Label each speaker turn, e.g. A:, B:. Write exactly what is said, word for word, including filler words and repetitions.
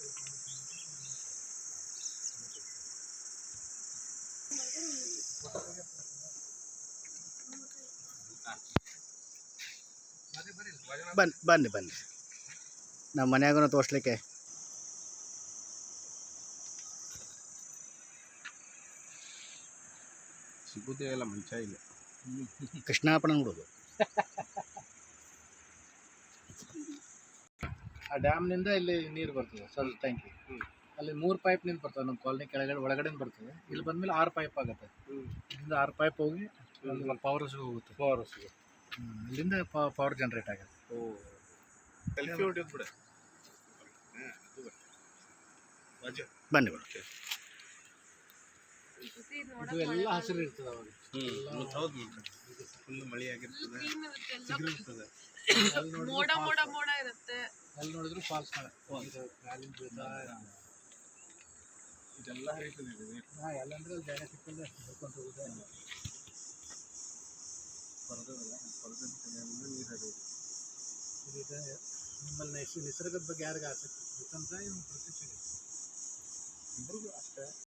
A: ಬನ್ನಿ ಬನ್ನಿ ಬನ್ನಿ ನಮ್ಮ ಮನ್ಯಾಗೂ ತೋರಿಸ್ಲಿಕ್ಕೆ.
B: ಸಿಗುದೇ ಇಲ್ಲ ಮುಂಚೆ ಇಲ್ಲ.
A: ಕೃಷ್ಣಾಪಣ ನೋಡೋದು. ಆ ಡ್ಯಾಮ್ನಿಂದ ಇಲ್ಲಿ ನೀರು ಬರ್ತದೆ ಸರ್ ಟ್ಯಾಂಕಿ. ಅಲ್ಲಿ ಮೂರು ಪೈಪ್ ನಿಂದ ಬರ್ತದೆ ನಮ್ಮ ಕಾಲನಿ ಕೆಳಗಡೆ ಒಳಗಡೆ ಬರ್ತದೆ. ಇಲ್ಲಿ ಬಂದಮೇಲೆ ಆರು ಪೈಪ್ ಆಗುತ್ತೆ. ಇಲ್ಲಿಂದ ಆರು ಪೈಪ್ ಹೋಗಿ ಪವರ್ ಹೌಸ್ಗೆ ಹೋಗುತ್ತೆ. ಪವರ್ ಹೌಸ್ಗೆ ಇಲ್ಲಿಂದ ಪವರ್ ಜನ್ರೇಟ್ ಆಗುತ್ತೆ. ಓ ಸೆಲ್ಫಿ ಹೊಡೆಯೋದು ಬಿಡ. ಬನ್ನಿ ಬನ್ನಿ. ಇದು ಎಲ್ಲ ಹಸಿರು ಇರ್ತದೆ ಅವಾಗ.
B: ಹೌದು ಫುಲ್ ಮಳೆ ಆಗಿರ್ತದೆ.
C: ಮೋಡ ಮೋಡ ಮೋಡ ಇರುತ್ತೆ.
A: ಅಲ್ಲಿ ನೋಡಿದ್ರು ಫಾಲ್ಸ್ ಇದೆಲ್ಲ ಹರಿತದೆ. ಹಾಂ ಎಲ್ಲಂದ್ರೆ ಅಲ್ಲಿ ಜಾಗ ಸಿಕ್ಕಂದ್ರೆ ಬರ್ಕೊಂಡು ಹೋಗುತ್ತೆ. ಪರದಲ್ಲ ಪರದಲ್ಲಿ ನೀರು ಹರಿಯೋದು. ಇದೀಗ ನಿಮ್ಮಲ್ಲಿ ನೈಸ್ ನಿಸರ್ಗದ ಬಗ್ಗೆ ಯಾರಿಗ ಆಸಕ್ತಿ ಬೇಕಂತ ಇವ್ನು ಪ್ರತಿ ಇಬ್ಬರಿಗೂ ಅಷ್ಟೇ.